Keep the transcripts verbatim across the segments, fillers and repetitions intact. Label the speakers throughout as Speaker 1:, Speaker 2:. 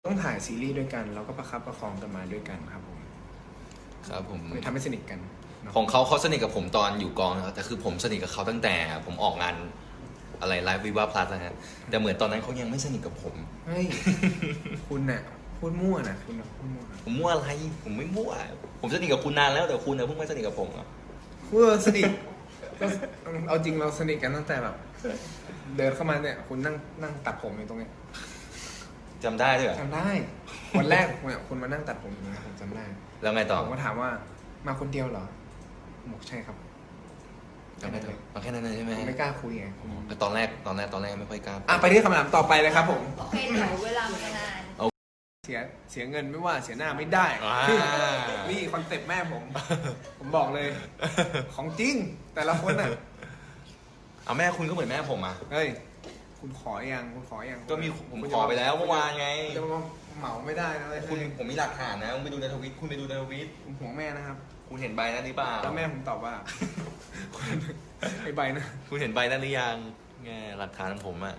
Speaker 1: ต้องถ่ายซีรีส์ด้วยกันแล้วก็ประคับประคองกันมาด้วยกันครับผม
Speaker 2: ครับผม
Speaker 1: เลยทำให้สนิทกัน
Speaker 2: ของเขาเขาสนิทกับผมตอนอยู่กองนะครับแต่คือผมสนิทกับเขาตั้งแต่ผมออกงานอะไรไลฟ์วิวาพลัสนะฮะแต่เหมือนตอนนั้นเขายังไม่สนิทกับผม
Speaker 1: เฮ้ยคุณน่ะพูดมั่วนะคุณน่ะพูดมั่ว
Speaker 2: ผมมั่วอะไรผมไม่มั่วผมสนิทกับคุณนานแล้วแต่คุณนะเพิ่งไม่สนิทกับผมอ่ะ
Speaker 1: คุณสนิทก็เอาจริงเราสนิทกันตั้งแต่แบบเดินเข้ามาเนี่ยคุณนั่งนั่งตัดผมอยู่ตรงเนี้ย
Speaker 2: จำได้ด้วย
Speaker 1: จำได้วันแรกเนี่ยคุณมานั่งตัดผมอยู่นะผมจำได้
Speaker 2: แล้วไงต่อ
Speaker 1: ผมก็ถามว่ามาคนเดียวเหรอบอกใช่ครับ
Speaker 2: จำได้เลยมาแค่นั้นเลยใช่ไหม
Speaker 1: ไม่กล้าคุยไง
Speaker 2: ตอนแรกตอนแรกตอนแรกไม่ค่อยกล้า
Speaker 1: อ่ะไปที่คำถามต่อไปเลยครับผม
Speaker 3: โอเคเดี๋ยวเวลามันนาน
Speaker 1: เสียเสียเงินไม่ว่าเสียหน้าไม่ได้นี่คอนเซ็ปต์แม่ผมผมบอกเลยของจริงแต่ละคนน่ะ
Speaker 2: เอาแม่คุณก็เหมือนแม่ผมอ่ะ
Speaker 1: เฮ้ยคุณขอยังคุณขอยัง
Speaker 2: ก็มีผมขอไปแล้วเมื่อวานไง
Speaker 1: จะมาเหมาไม่ได้นะ
Speaker 2: คุณผมมีหลักฐานนะคุณไปดูในทวิตคุณไปดูในทวิต
Speaker 1: ผมห่วงแม่นะครับ
Speaker 2: คุณเห็นใบนั้นหรือเปล่า
Speaker 1: แล้วแม่ผมตอบว่าไอ้ใบนะ
Speaker 2: คุณเห็นใบนั้นหรือยังไงหลักฐานของผมอ่ะ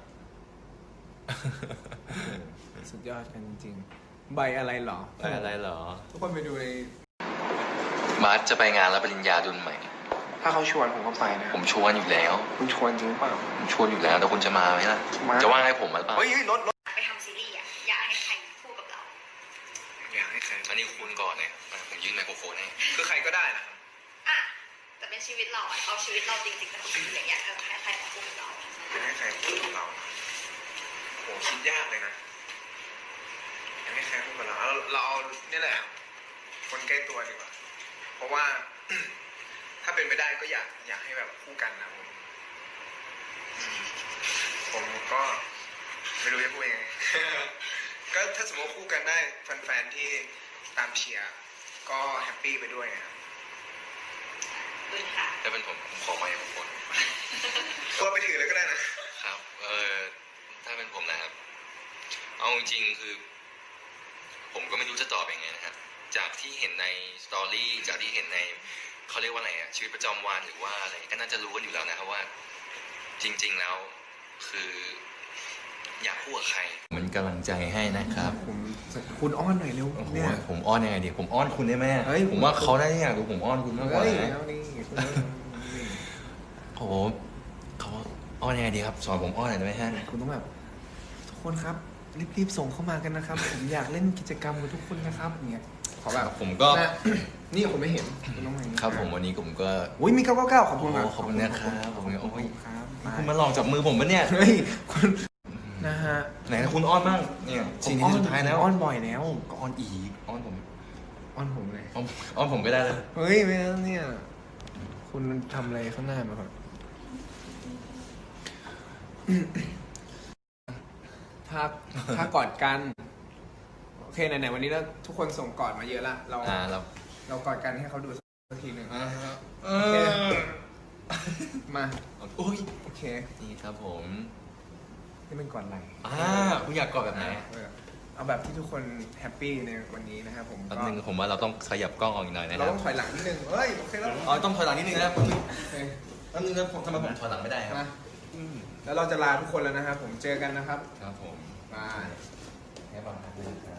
Speaker 1: สุดยอดกันจริงๆใบอะไรหรอ
Speaker 2: ใบอะไรหรอ
Speaker 1: ทุกคนไปดูใน
Speaker 2: มาร์ทจะไปงานรับปริญญาดุลใหม่
Speaker 1: ถ้าเขาชวนผมก็ไปนะ
Speaker 2: ผมชวนอยู่แล้ว
Speaker 1: คุณชวนจริงเปล่า
Speaker 2: ผมชวนอยู่แล้วแต่คุณจะมาไหมล่ะจะว่าให้ผมหรือเปล่า
Speaker 1: เฮ้ยรถรถ
Speaker 3: ไปทำซีรีส์อ่ะอยากให้ใครพูดกับเรา
Speaker 1: อยากให้ใคร
Speaker 2: อันนี้คุณก่อนเนี่ยผมยื่นไมโครโฟนให้
Speaker 1: คือใครก็ได้นะ
Speaker 3: อ่ะแต่เป็นชีวิตเราเอาชีวิตเราจริงๆแต่ชีวิตอย่างเงี้ยเออให้ใครมาพูดกับเรา
Speaker 1: อยากให้ใครพูดกับเราโหคิดยากเลยนะอยากให้ใครพูดกับเราเราเอานี่แหละคนใกล้ตัวดีกว่าเพราะว่าถ้าเป็นไปได้ก็อยากอยากให้แบบคู่กันนะผมผมก็ไม่รู้จะพูดยังไงก็ถ้าสมมติคู่กันได้แฟนๆที่ตามเชียร์ก็แฮปปี้ไปด้วยนะครับ
Speaker 2: ถ้าเป็นผมผมขอไมโครโฟน
Speaker 1: ก็ไปถือเลยก็ได้นะครับ
Speaker 2: เออถ้าเป็นผมนะครับเอาจริงๆคือผมก็ไม่รู้จะตอบยังไงนะครับจากที่เห็นในสตอรี่จากที่เห็นในเขาเรียกว่าอะไรอะชีวิตประจำวันหรือว่าอะไรก็น่าจะรู้กันอยู่แล้วนะครับว่าจริงๆแล้วคืออยากพูดกับใครมันกำลังใจให้นะครับ
Speaker 1: ผมคุณอ้อนหน่อยเร็ว
Speaker 2: เนี่ยผมอ้อนยังไงดีผมอ้อนคุณได้ไหมผมว่าเขาได้อยากดูผมอ้อนคุณมากกว่าโอ้โหเขาอ้อนยังไงดีครับสอนผมอ้อนหน่อยได้ไหมฮะ
Speaker 1: คุณต้องแบบทุกคนครับรีบๆส่งเข้ามากันนะครับผมอยากเล่นกิจกรรมกับทุกคนนะครับเนี่ยขอแบบ
Speaker 2: ผมก็
Speaker 1: นี่ผมไม่เห็นคุณต้อง
Speaker 2: มาครับผมวันนี้ผมก็
Speaker 1: อุ้ยมีเก้าเก้าเก้าขอบคุณครับ
Speaker 2: ขอบคุณนะครับขอบคุณโอ้ยครับคุณมาลองจับมือผมปะเนี่ย
Speaker 1: เฮ้ยคุณนะฮะ
Speaker 2: ไหนคุณอ้อนบ้างเนี่ยสิ่งที่สุดท้ายแล้ว
Speaker 1: อ้อนบ่อยแล้ว
Speaker 2: ก็อ้อนอีกอ้อนผม
Speaker 1: อ้อนผมเลย
Speaker 2: อ้อนผมก็ได้เลย
Speaker 1: เฮ้ยไม่แล้วเนี่ยคุณทำอะไรข้างหน้ามาก่อนถ้าถ้ากอดกันโอเคไหนๆวันนี้แล้วทุกคนส่งกอดมาเยอะละเราเราเรากอดกันให้เขาดูสักทีหนึ่งโอเคมา
Speaker 2: โอ้ย
Speaker 1: โอเค
Speaker 2: นี่ครับผม
Speaker 1: นี่เป็นกอดอะไร
Speaker 2: อ่าคุณอยากกอดแบบไหน
Speaker 1: เอาแบบที่ทุกคนแฮปปี้ในวันนี้นะครับผม
Speaker 2: แป๊บนึงผมว่าเราต้องขยับกล้องออกอีกหน่อยนะ
Speaker 1: เราต้องถอยหลังนิดนึงเฮ้ยโอเคแล้ว
Speaker 2: อ๋อต้องถอยหลังนิดนึงนะคุณแป๊บนึงนะผมทำไมผมถอยหลังไม่ได้ครับ
Speaker 1: แล้วเราจะลาทุกคนแล้วนะครับผมเจอกันนะครับ
Speaker 2: ครับผม
Speaker 1: บาย
Speaker 2: แค่บางครับ